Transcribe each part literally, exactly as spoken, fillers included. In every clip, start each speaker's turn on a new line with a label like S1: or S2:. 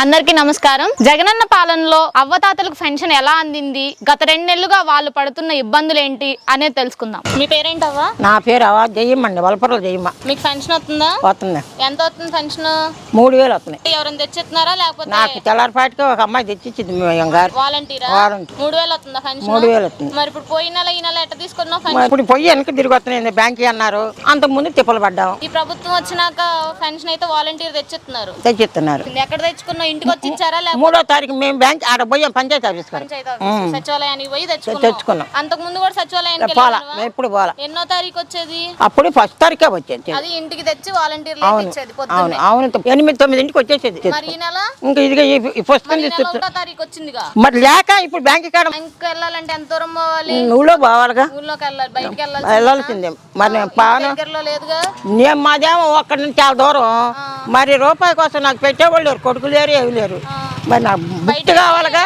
S1: అందరికీ నమస్కారం. జగనన్న పాలనలో అవ్వతాతలకు పెన్షన్ ఎలా అందింది, గత రెండు నెలలుగా వాళ్ళు పడుతున్న ఇబ్బందులు ఏంటి అనేది తెలుసుకుందాం. మీ పేరేంటవ్వా?
S2: నా పేరు అవా జయమ్మండి, వలపరలో జయమ్మ.
S1: మీకు పెన్షన్ వస్తుందా?
S2: వస్తుంది.
S1: ఎంత వస్తుంది పెన్షన్?
S2: మూడు వేలు వస్తున్నాయి.
S1: ఎవరైనా తెచ్చిస్తున్నారా లేకపోతే?
S2: నాకు తెల్లారిపాటికి ఒక అమ్మాయి తెచ్చిచ్చింది.
S1: వాలంటీరా? మూడు వేలు వస్తుందా పెన్షన్?
S2: మూడు వేలు వస్తుంది.
S1: మరి ఇప్పుడు పోయిన నెల ఈ నెల ఎట్ట తీసుకున్నావు?
S2: ఇప్పుడు పొయ్యి వెనక్కి తిరిగి వస్తున్నాయి. బ్యాంక్ అన్నారు, అంతకు ముందు తిప్పలు పడ్డాం.
S1: ఈ ప్రభుత్వం వచ్చినాక పెన్షన్ అయితే వాలంటీర్ తెచ్చిస్తున్నారు.
S2: తెచ్చిస్తున్నారు.
S1: ఎక్కడ తెచ్చుకున్నావు? ఇంటికి వచ్చి ఇచ్చారా?
S2: మూడో తారీఖు మేము బ్యాంక్ ఆడ పోయాం, పంచాయతీ ఆఫీస్
S1: సచివాలయానికి పోయి
S2: తెచ్చుకున్నాం.
S1: అంతకు ముందు కూడా సచివాలయానికి
S2: పోలా, ఎప్పుడు పోలా.
S1: ఎన్నో తారీఖు వచ్చేది?
S2: అప్పుడు ఫస్ట్ తారీఖే వచ్చేది.
S1: అది ఇంటికి తెచ్చి వాలంటీర్
S2: అవును అవును ఎనిమిది తొమ్మిది ఇంటికి వచ్చేసేది.
S1: మరి ఈ నెల
S2: ఇంకా ఇదిగా ఫస్ట్
S1: తారీఖు వచ్చిందిగా.
S2: మరి లేక ఇప్పుడు బ్యాంక్ కాడ
S1: బ్యాంక్ వెళ్ళాలంటే ఎంత దూరం పోవాలి?
S2: ఊళ్ళో పోవాలిగా.
S1: ఊళ్ళోకి వెళ్ళాలి, బయటకి వెళ్ళాలి,
S2: వెళ్ళాల్సిందే. మరి
S1: దగ్గరలో లేదుగా.
S2: నేను మాదేమో ఒక్కడి నుంచి చాలా దూరం. మరి రూపాయి కోసం నాకు పెట్టేవాళ్ళు లేరు, కొడుకు లేరు, ఏమి లేరు. మరి నాకు బుక్ కావాలిగా,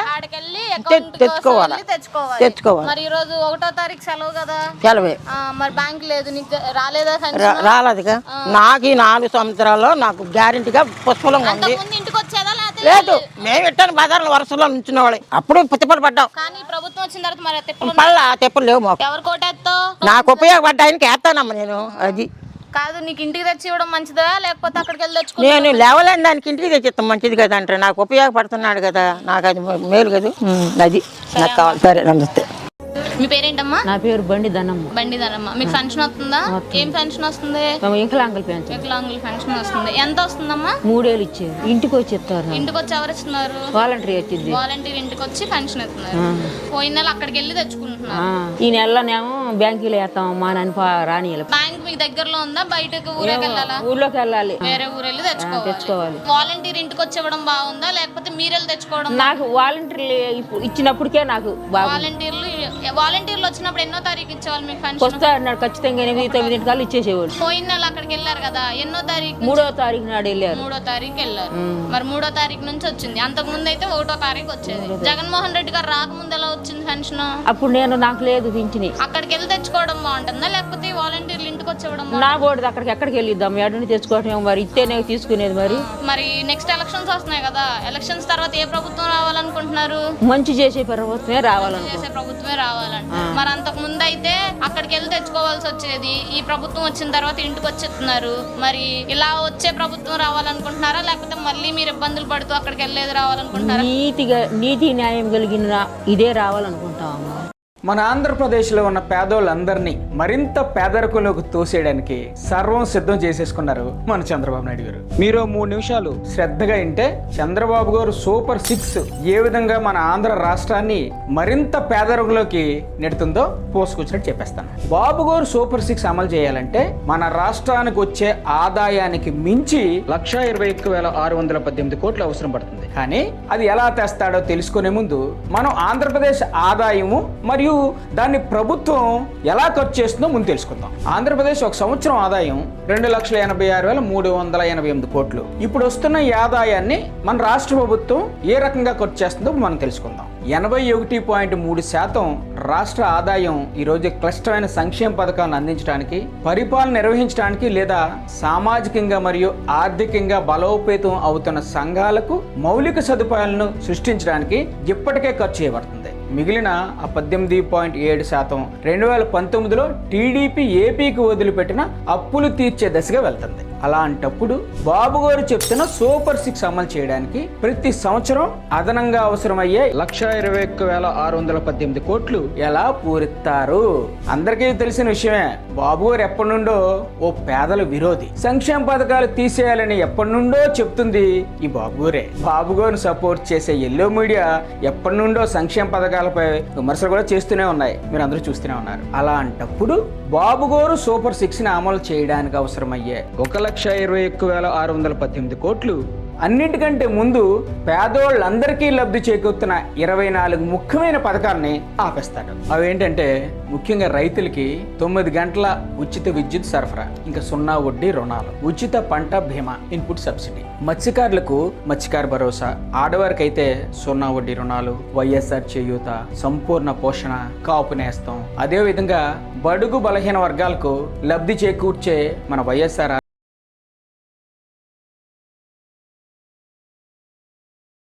S2: తెచ్చుకోవాలి తెచ్చుకోవాలి
S1: మరి ఈ రోజు ఒకటో తారీఖు సెలవు కదా?
S2: సెలవే.
S1: మరి బ్యాంక్ లేదు, నీకు రాలేదా?
S2: రాలేదుగా. నాకు ఈ నాలుగు సంవత్సరాల్లో నాకు గ్యారెంటీగా పుష్పలంగా ఉంది.
S1: ఇంటికి వచ్చేదా?
S2: లేదు, మేము ఇట్టాను బజార్లో వరుసలో నుంచిన వాళ్ళే. అప్పుడు తిప్పలు పడ్డాం.
S1: కానీ ప్రభుత్వం వచ్చిన తర్వాత మరి
S2: పళ్ళ తెప్పలు లేవు మాకు.
S1: ఎవరు కోటేస్తావు?
S2: నాకు ఉపయోగపడ్డాయనికి వేస్తానమ్మా నేను. అది
S1: కాదు, నీకు ఇంటికి తెచ్చి ఇవ్వడం మంచిదా లేకపోతే అక్కడికి వెళ్ళి తెచ్చుకో?
S2: నేను లేవలేని దానికి ఇంటికి తెచ్చిస్తాం మంచిది కదా అంటే, నాకు ఉపయోగపడుతున్నాడు కదా, నాకు అది మేలు కదా. అది నాకు కావాలి. సరే, నమస్తే.
S1: మీ పేరేంటమ్మా?
S3: నా పేరు బండి ధనమ్మ.
S1: బండి ధనమ్మ. మీకు పెన్షన్ వస్తుందా? ఏం పెన్షన్ వస్తుంది?
S3: వికలాంగుల పెన్షన్.
S1: వికలాంగుల పెన్షన్ వస్తుంది. ఎంత వస్తుందమ్మా?
S3: మూడేళ్ళు ఇచ్చారు. ఇంటికి వచ్చి ఇస్తారు.
S1: ఇంటికి వచ్చి ఎవరు ఇస్తున్నారు?
S3: వాలంటీర్ వచ్చింది.
S1: వాలంటీర్ ఇంటికి వచ్చి పెన్షన్ ఇస్తున్నారు. పోయిన నెల అక్కడికి వెళ్ళి తెచ్చుకుంటున్నారు.
S3: ఈ నెలలోనేమో బ్యాంకులో వేస్తాం మా నాన్న రాని.
S1: బ్యాంక్ మీకు దగ్గరలో ఉందా? బయటకు ఊరేకి వెళ్ళాలా?
S3: ఊర్లోకి వెళ్ళాలి,
S1: వేరే ఊరు వెళ్ళి తెచ్చుకోవాలి. వాలంటీర్ ఇంటికి వచ్చి ఇవ్వడం బాగుందా లేకపోతే మీరు వెళ్ళి తెచ్చుకోవడం?
S3: నాకు వాలంటీర్లు ఇచ్చినప్పటికే నాకు
S1: వాలంటీర్లు వాలంటీర్లు వచ్చినప్పుడు ఎన్నో తారీఖు ఇచ్చేవాళ్ళు మీకు పెన్షన్?
S3: వస్తాడు ఖచ్చితంగా ఎనిమిది తొమ్మిది కల్లా ఇచ్చేసేవాళ్ళు.
S1: పోయిన నెల అక్కడికి వెళ్ళారు కదా, ఎన్నో తారీఖు?
S3: మూడో తారీఖు నాడు వెళ్ళారు.
S1: మూడో తారీఖు వెళ్ళారు. మరి మూడో తారీఖు నుంచి వచ్చింది. అంతకు ముందు అయితే ఒకటో తారీఖు వచ్చేది. జగన్మోహన్ రెడ్డి గారు రాకముందు ఎలా వచ్చింది పెన్షన్?
S3: అప్పుడు నేను నాకు లేదు పింఛని.
S1: అక్కడికి వెళ్ళి తెచ్చుకోవడం బాగుంటుందా లేకపోతే వాలంటీర్లు ఇంటికి వచ్చేవడం?
S3: నా బోర్డు అక్కడికి ఎక్కడికి వెళ్ళిద్దాం, ఎక్కడిని తెచ్చుకోవటం మరి ఇస్తేనే తీసుకునేది. మరి
S1: మరి నెక్స్ట్ ఎలక్షన్స్ వస్తున్నాయి కదా, ఎలక్షన్స్ తర్వాత ఏ ప్రభుత్వం రావాలనుకుంటున్నారు?
S3: మంచి చేసే ప్రభుత్వమే రావాలనుకుంటున్నారు.
S1: చేసే ప్రభుత్వమే రావాలంట. మరి అంతకు ముందు అయితే అక్కడికి వెళ్ళి తెచ్చుకోవాల్సి వచ్చేది. ఈ ప్రభుత్వం వచ్చిన తర్వాత ఇంటికి వచ్చేస్తున్నారు. మరి ఇలా వచ్చే ప్రభుత్వం రావాలనుకుంటున్నారా లేకపోతే మళ్ళీ మీరు ఇబ్బందులు పడుతూ అక్కడికి వెళ్ళేది రావాలనుకుంటున్నారా?
S3: నీతిగా నీతి న్యాయం కలిగిన ఇదే రావాలనుకుంటామమ్మా.
S4: మన ఆంధ్రప్రదేశ్లో ఉన్న పేదోళ్ళందరినీ మరింత పేదరికంలోకి తోసేయడానికి సర్వం సిద్ధం చేసేసుకున్నారు మన చంద్రబాబు నాయుడు గారు. మీరు మూడు నిమిషాలు శ్రద్ధగా వింటే చంద్రబాబు గారు సూపర్ సిక్స్ ఏ విధంగా మన ఆంధ్ర రాష్ట్రాన్ని మరింత పేదరికంలోకి నెడుతుందో పోసుకొచ్చినట్టు చెప్పేస్తాను. బాబు గారు సూపర్ సిక్స్ అమలు చేయాలంటే మన రాష్ట్రానికి వచ్చే ఆదాయానికి మించి లక్ష ఇరవై ఒక్క వేల ఆరు వందల పద్దెనిమిది కోట్లు అవసరం పడుతుంది. కానీ అది ఎలా తెస్తాడో తెలుసుకునే ముందు మనం ఆంధ్రప్రదేశ్ ఆదాయము మరియు దాన్ని ప్రభుత్వం ఎలా ఖర్చు చేస్తుందో ముందు తెలుసుకుందాం. ఆంధ్రప్రదేశ్ ఒక సంవత్సరం ఆదాయం రెండు లక్షల ఎనభై ఆరు వేల మూడు వందల ఎనభై ఎనిమిది కోట్లు. ఇప్పుడు వస్తున్న ఈ ఆదాయాన్ని మన రాష్ట్ర ప్రభుత్వం ఏ రకంగా ఖర్చు చేస్తుందో మనం తెలుసుకుందాం. ఎనభై ఒకటి పాయింట్ మూడు శాతం రాష్ట్ర ఆదాయం ఈరోజు క్లిష్టమైన సంక్షేమ పథకాలను అందించడానికి, పరిపాలన నిర్వహించడానికి లేదా సామాజికంగా మరియు ఆర్థికంగా బలోపేతం అవుతున్న సంఘాలకు మౌలిక సదుపాయాలను సృష్టించడానికి ఇప్పటికే ఖర్చు చేయబడుతుంది. మిగిలిన ఆ పద్దెనిమిది పాయింట్ ఏడు శాతం రెండు వేల పంతొమ్మిదిలో టీడీపీ ఏపీకి వదిలిపెట్టిన అప్పులు తీర్చే దశగా వెళ్తుంది. అలాంటప్పుడు బాబు గారు చెప్తున్న సూపర్ సిక్స్ అమలు చేయడానికి ప్రతి సంవత్సరం అదనంగా అవసరమయ్యే లక్ష ఇరవై ఒక్క వేల ఆరు వందల పద్దెనిమిది కోట్లు ఎలా పూరిస్తారు? అందరికీ తెలిసిన విషయమే. బాబు గారు ఎప్పటి నుండో ఓ పేదల విరోధి. సంక్షేమ పథకాలు తీసేయాలని ఎప్పటి నుండో చెప్తుంది ఈ బాబు గారే. బాబు గారిని సపోర్ట్ చేసే ఎల్లో మీడియా ఎప్పటి నుండో సంక్షేమ పథకాలపై విమర్శలు కూడా చేస్తూనే ఉన్నాయి, మీరు అందరూ చూస్తూనే ఉన్నారు. అలాంటప్పుడు బాబు గారు సూపర్ సిక్స్ ని అమలు చేయడానికి అవసరమయ్యే ఒక లక్ష ఇరవై ఒక్క వేల ఆరు వందల పద్దెనిమిది కోట్లు అన్నింటికంటే ముందు పేదోళ్ళందరికీ లబ్ధి చేకూరుతున్న ఇరవై నాలుగు ముఖ్యమైన పథకాలని ఆపేస్తాడు. అవేంటంటే ముఖ్యంగా రైతులకి తొమ్మిది గంటల ఉచిత విద్యుత్ సరఫరా, ఇంకా సున్నా వడ్డీ రుణాలు, ఉచిత పంట బీమా, ఇన్పుట్ సబ్సిడీ, మత్స్యకారులకు మత్స్యకార భరోసా, ఆడవారికి అయితే సున్నా వడ్డీ రుణాలు, వైఎస్ఆర్ చేయూత, సంపూర్ణ పోషణ, కాపు నేస్తం, అదేవిధంగా బడుగు బలహీన వర్గాలకు లబ్ధి చేకూర్చే మన వైఎస్ఆర్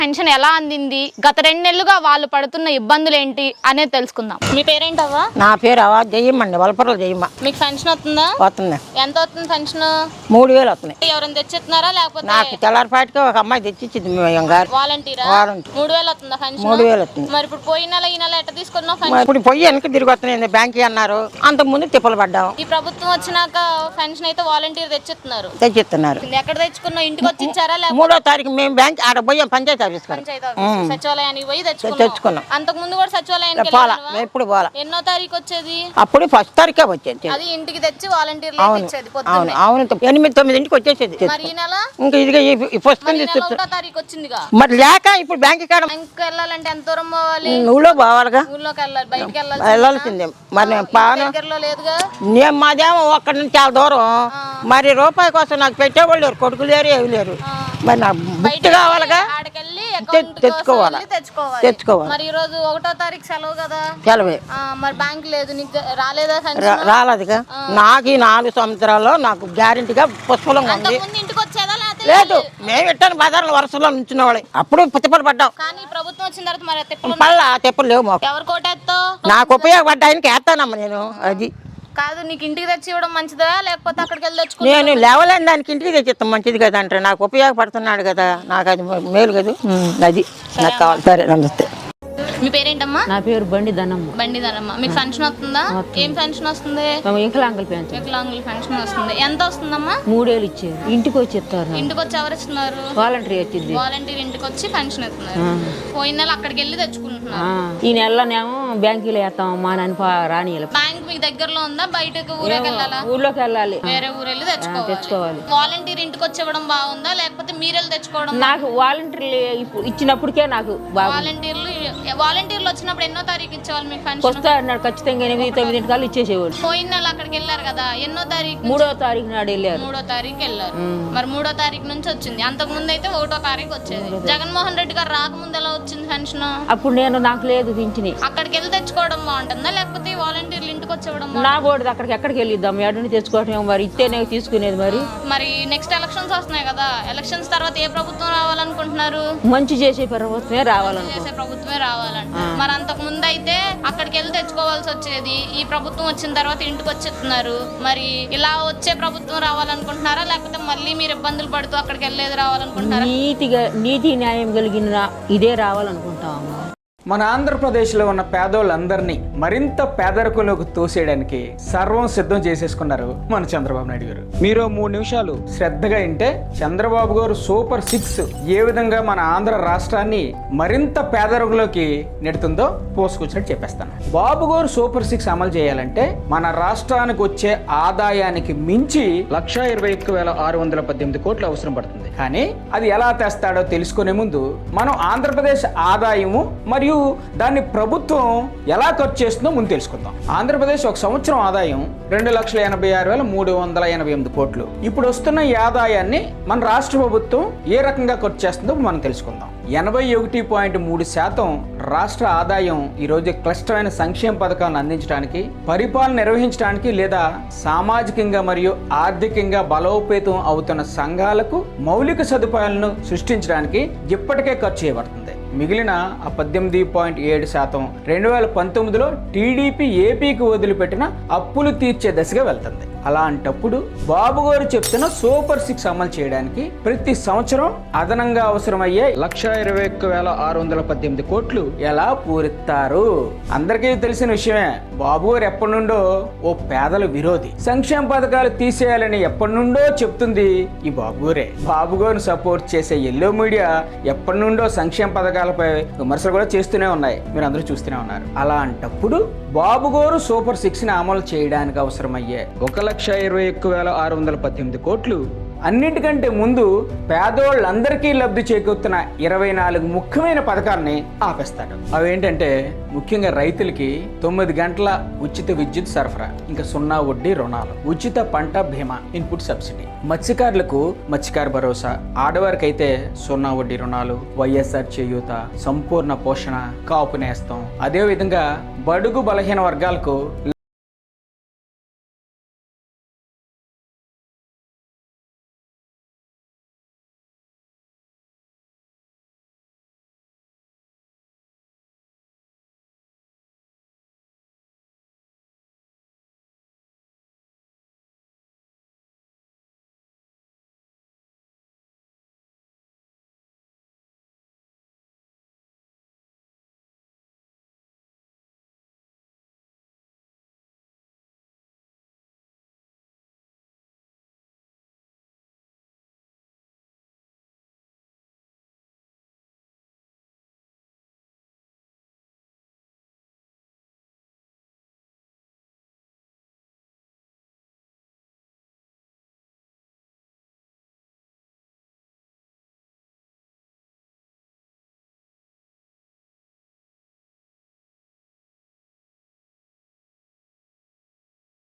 S1: పెన్షన్ ఎలా అందింది, గత రెండు నెలలుగా వాళ్ళు పడుతున్న ఇబ్బందులు ఏంటి అనేది తెలుసుకుందాం. మీ పేరేంటవ్వా?
S2: నా పేరు అవా జయమ్మండి, వలపరలు జయమ్మ.
S1: మీకు పెన్షన్ వస్తుందా?
S2: వస్తుంది.
S1: ఎంత వస్తుంది పెన్షన్?
S2: మూడు వేలు వస్తున్నాయి.
S1: ఎవరైనా తెచ్చిస్తున్నారా లేకపోతే?
S2: నాకు తెల్లారిపాటికి ఒక అమ్మాయి తెచ్చిచ్చింది గారు.
S1: వాలంటీరా?
S2: వాలంటీర్.
S1: మూడు వేలు వస్తుందా పెన్షన్?
S2: మూడు వేలు వస్తుంది.
S1: మరి ఇప్పుడు పోయిన నెల ఈ నెల ఎట్ట తీసుకున్నావు
S2: మరి
S1: పెన్షన్?
S2: ఇప్పుడు పొయ్యి వెనక్కి తిరిగి వస్తున్నాయి బ్యాంక్ అన్నారు, అంతకు ముందు తిప్పలు పడ్డాం.
S1: ఈ ప్రభుత్వం వచ్చినాక పెన్షన్ అయితే వాలంటీర్ తెచ్చిస్తున్నారు.
S2: తెచ్చిస్తున్నారు.
S1: ఎక్కడ తెచ్చుకున్నావు? ఇంటికి వచ్చి ఇచ్చారా లేకపోతే?
S2: మూడో తారీఖు మేము బ్యాంక్ ఆడ పోయాం, పంచాయతీ ఆఫీస్ కాడ
S1: పంచాయతీ ఆఫీస్ సచివాలయానికి పోయి తెచ్చుకున్నాం.
S2: తెచ్చుకున్నాం.
S1: అంతకు ముందు కూడా సచివాలయానికి
S2: పోలా,
S1: వెళ్ళావా?
S2: ఎప్పుడు పోలా.
S1: ఎన్నో తారీఖు వచ్చేది?
S2: అప్పుడు ఫస్ట్ తారీఖే వచ్చేది.
S1: అది ఇంటికి తెచ్చి వాలంటీర్లు
S2: అవును
S1: ఇచ్చేది
S2: అవును
S1: పొద్దున్నే.
S2: అవును, ఎనిమిది తొమ్మిది ఇంటికి వచ్చేసేది.
S1: మరి ఈ నెల
S2: ఇంకా ఇదిగా ఫస్ట్
S1: మరి ఈ నెల ఒకటో తారీఖు వచ్చిందిగా.
S2: మరి లేక ఇప్పుడు బ్యాంక్ కాడ
S1: బ్యాంక్ వెళ్ళాలంటే ఎంత దూరం పోవాలి?
S2: నువ్వులో పోవాలిగా,
S1: ఊళ్ళోకి వెళ్ళాలి, బయటికి వెళ్ళాలి.
S2: వెళ్ళాల్సిందే. మరి నేను పాను
S1: దగ్గరలో లేదుగా.
S2: నేను మాదేమో ఒక్కడి నుంచి చాలా దూరం. మరి రూపాయి కోసం నాకు పెట్టేవాళ్ళు లేరు, కొడుకు లేరు, ఏమి లేరు. మరి నాకు బుక్ కావాలిగా,
S1: ఆడకెళ్ళి అకౌంట్
S2: తెచ్చుకోవాలి
S1: తెచ్చుకోవాలి
S2: తెచ్చుకోవాలి
S1: మరి ఈ రోజు ఒకటో తారీఖు సెలవు కదా.
S2: సెలవే.
S1: ఆ, మరి బ్యాంక్ లేదు, నీకు రాలేదా
S2: రా-
S1: పెన్షన్?
S2: రాలేదుగా. నాకు ఈ నాలుగు సంవత్సరాల్లో నాకు గ్యారెంటీగా పుష్పలంగా ఉంది.
S1: అంతకుముందు ఇంటికి వచ్చేదా లేకపోతే
S2: లేదు, మేము ఇట్టాను బజార్లో వరుసలో నుంచిన వాళ్ళే. అప్పుడు తిప్పలు పడ్డాం.
S1: కానీ ప్రభుత్వం వచ్చిన తర్వాత మరి తిప్పలు
S2: పళ్ళ తిప్పలు లేవు మాకు.
S1: ఎవరు కోటేస్తావు?
S2: నాకు ఉపయోగపడ్డ ఆయనకి వేస్తానమ్మా నేను. అది
S1: కాదు, నీకు ఇంటికి తెచ్చి ఇవ్వడం మంచిదా లేకపోతే అక్కడికి వెళ్ళి తెచ్చుకో?
S2: నేను లేవలేని దానికి ఇంటికి తెచ్చిస్తాం, మంచిది కదా అంటే నాకు ఉపయోగపడుతున్నాడు కదా, నాకు అది మేలు కదా. అది నాకు కావాలి. సరే, నమస్తే.
S1: మీ పేరేంటమ్మా?
S3: నా పేరు బండి ధనమ్మ.
S1: బండి ధనమ్మ. మీకు పెన్షన్ వస్తుందా? ఏం పెన్షన్ వస్తుంది?
S3: మేము వికలాంగుల పెన్షన్
S1: వికలాంగుల పెన్షన్ వస్తుంది. ఎంత వస్తుందమ్మా?
S3: మూడేళ్ళు ఇచ్చారు. ఇంటికి వచ్చి ఇస్తారు నాకు.
S1: ఇంటికి వచ్చి ఎవరు ఇస్తున్నారు?
S3: వాలంటరీ వచ్చింది.
S1: వాలంటీర్ ఇంటికి వచ్చి పెన్షన్ ఇస్తున్నారు. పోయిన నెల అక్కడికి వెళ్ళి తెచ్చుకుంటున్నారు.
S3: ఆ, ఈ నెలలోనేమో బ్యాంకులో వేస్తామమ్మా అని రాని
S1: బ్యాంక్ మీకు దగ్గరలో ఉందా? బయటకు ఊరేకి వెళ్ళాలా?
S3: ఊర్లోకి వెళ్ళాలి,
S1: వేరే ఊరు వెళ్ళి తెచ్చుకోవాలి.
S3: తెచ్చుకోవాలి.
S1: వాలంటీర్ ఇంటికి వచ్చి ఇవ్వడం బాగుందా లేకపోతే మీరు వెళ్ళి తెచ్చుకోవడం?
S3: నాకు వాలంటీర్లు ఇప్పుడు ఇచ్చినప్పటికే నాకు బాగా
S1: వాలంటీర్లు వాలంటీర్లు వచ్చినప్పుడు ఎన్నో తారీఖు ఇచ్చేవాళ్ళు మీకు పెన్షన్?
S3: వస్తా అన్నాడు ఖచ్చితంగా ఎనిమిది తొమ్మిది కల్లా ఇచ్చేసేవాడు.
S1: పోయిన నెల అక్కడికి వెళ్ళారు కదా, ఎన్నో తారీఖు?
S3: మూడో తారీఖు నాడు వెళ్ళారు.
S1: మూడో తారీఖు వెళ్ళారు. మరి మూడో తారీఖు నుంచి వచ్చింది. అంతకు ముందు అయితే ఒకటో తారీఖు వచ్చేది. జగన్మోహన్ రెడ్డి గారు రాకముందు ఎలా వచ్చింది పెన్షన్?
S3: అప్పుడు నేను నాకు లేదు పింఛని.
S1: అక్కడికి వెళ్ళి తెచ్చుకోవడం బాగుంటుందా లేకపోతే వాలంటీర్లు ఇంటికి వచ్చి ఇవ్వడం
S3: నా బోర్డు అక్కడికి ఎక్కడికి వెళ్ళిద్దాం, ఎడని తెచ్చుకోవటం మరి ఇస్తేనే తీసుకునేది. మరి
S1: మరి నెక్స్ట్ ఎలక్షన్స్ వస్తున్నాయి కదా, ఎలక్షన్స్ తర్వాత ఏ ప్రభుత్వం రావాలనుకుంటున్నారు?
S3: మంచి చేసే ప్రభుత్వమే రావాలనుకో.
S1: చేసే ప్రభుత్వమే రావాలంట. మరి అంతకు ముందు అయితే అక్కడికి వెళ్ళి తెచ్చుకోవాల్సి వచ్చేది. ఈ ప్రభుత్వం వచ్చిన తర్వాత ఇంటికి వచ్చేస్తున్నారు. మరి ఇలా వచ్చే ప్రభుత్వం రావాలనుకుంటున్నారా లేకపోతే మళ్ళీ మీరు ఇబ్బందులు పడుతూ అక్కడికి వెళ్ళేది రావాలనుకుంటున్నారా?
S3: నీతిగా నీతి న్యాయం కలిగిన ఇదే రావాలనుకుంటాము.
S4: మన ఆంధ్రప్రదేశ్లో ఉన్న పేదోళ్ళందరినీ మరింత పేదరికంలోకి తోసేయడానికి సర్వం సిద్ధం చేసేసుకున్నారు మన చంద్రబాబు నాయుడు గారు. మీరు మూడు నిమిషాలు శ్రద్ధగా వింటే చంద్రబాబు గారు సూపర్ సిక్స్ ఏ విధంగా మన ఆంధ్ర రాష్ట్రాన్ని మరింత పేదరికంలోకి నెడుతుందో పోసుకొచ్చినట్టు చెప్పేస్తాను. బాబు గారు సూపర్ సిక్స్ అమలు చేయాలంటే మన రాష్ట్రానికి వచ్చే ఆదాయానికి మించి లక్ష ఇరవై ఒక్క వేల ఆరు వందల పద్దెనిమిది కోట్లు అవసరం పడుతుంది. కానీ అది ఎలా తెస్తాడో తెలుసుకునే ముందు మనం ఆంధ్రప్రదేశ్ ఆదాయము మరియు దాన్ని ప్రభుత్వం ఎలా ఖర్చు చేస్తుందో ముందు తెలుసుకుందాం. ఆంధ్రప్రదేశ్ ఒక సంవత్సరం ఆదాయం రెండు లక్షల ఎనభై ఆరు వేల మూడు వందల ఎనభై ఎనిమిది కోట్లు. ఇప్పుడు వస్తున్న ఈ ఆదాయాన్ని మన రాష్ట్ర ప్రభుత్వం ఏ రకంగా ఖర్చు చేస్తుందో మనం తెలుసుకుందాం. ఎనభై ఒకటి పాయింట్ మూడు శాతం రాష్ట్ర ఆదాయం ఈరోజు క్లిష్టమైన సంక్షేమ పథకాలను అందించడానికి, పరిపాలన నిర్వహించడానికి లేదా సామాజికంగా మరియు ఆర్థికంగా బలోపేతం అవుతున్న సంఘాలకు మౌలిక సదుపాయాలను సృష్టించడానికి ఇప్పటికే ఖర్చు చేయబడుతుంది. మిగిలిన ఆ పద్దెనిమిది పాయింట్ ఏడు శాతం రెండు వేల పంతొమ్మిదిలో టీడీపీ ఏపీకి వదిలిపెట్టిన అప్పులు తీర్చే దశగా వెళ్తుంది. అలాంటప్పుడు బాబు గారు చెప్తున్న సూపర్ సిక్స్ అమలు చేయడానికి ప్రతి సంవత్సరం అదనంగా అవసరమయ్యే లక్ష ఇరవై ఒక్క వేల ఆరు వందల పద్దెనిమిది కోట్లు ఎలా పూరిస్తారు? అందరికీ తెలిసిన విషయమే. బాబు గారు ఎప్పటి నుండో ఓ పేదల విరోధి. సంక్షేమ పథకాలు తీసేయాలని ఎప్పటి నుండో చెప్తుంది ఈ బాబు గారే. బాబు గారిని సపోర్ట్ చేసే ఎల్లో మీడియా ఎప్పటి నుండో సంక్షేమ పథకాలపై విమర్శలు కూడా చేస్తూనే ఉన్నాయి, మీరు అందరూ చూస్తూనే ఉన్నారు. అలాంటప్పుడు బాబు గారు సూపర్ సిక్స్ ని అమలు చేయడానికి అవసరమయ్యే ఒక లక్ష ఇరవై ఒక్క వేల ఆరు వందల పద్దెనిమిది కోట్లు అన్నింటికంటే ముందు పేదోళ్ళందరికీ లబ్ధి చేకూరుతున్న ఇరవై నాలుగు ముఖ్యమైన పథకాలని ఆపేస్తాడు. అవేంటంటే ముఖ్యంగా రైతులకి తొమ్మిది గంటల ఉచిత విద్యుత్ సరఫరా, ఇంకా సున్నా వడ్డీ రుణాలు, ఉచిత పంట బీమా, ఇన్పుట్ సబ్సిడీ, మత్స్యకారులకు మత్స్యకార భరోసా, ఆడవారికి అయితే సున్నా వడ్డీ రుణాలు, వైఎస్ఆర్ చేయూత, సంపూర్ణ పోషణ, కాపు నేస్తం. అదేవిధంగా బడుగు బలహీన వర్గాలకు